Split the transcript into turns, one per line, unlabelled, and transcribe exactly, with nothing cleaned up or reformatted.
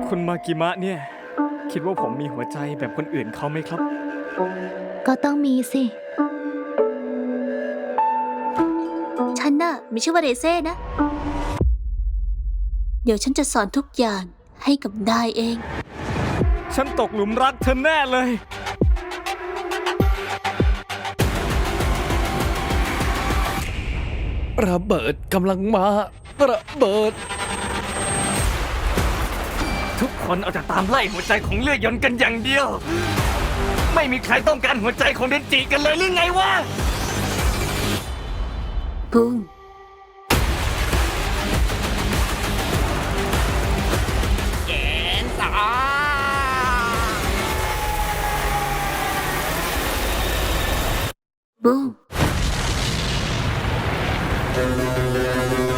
คุณมากิมะเนี่ยคิดว่าผมมีหัวใจแบบคนอื่นเขาไหมครับ
ก็ต้องมีสิ
ฉันน่ะไม่ชื่อว่าเรเซ่นะ เดี๋ยวฉันจะสอนทุกอย่างให้กับนายเอง
ฉันตกหลุมรักเธอแน่เลย
ระเบิดกำลังมา ระเบิด
ทุกคนเอาแต่ตามไล่หัวใจของเลือดยนต์กันอย่างเดียว ไม่มีใครต้องการหัวใจของเดนจิกันเลยหรือไงวะ
บุ้งแกนสาบุ้ง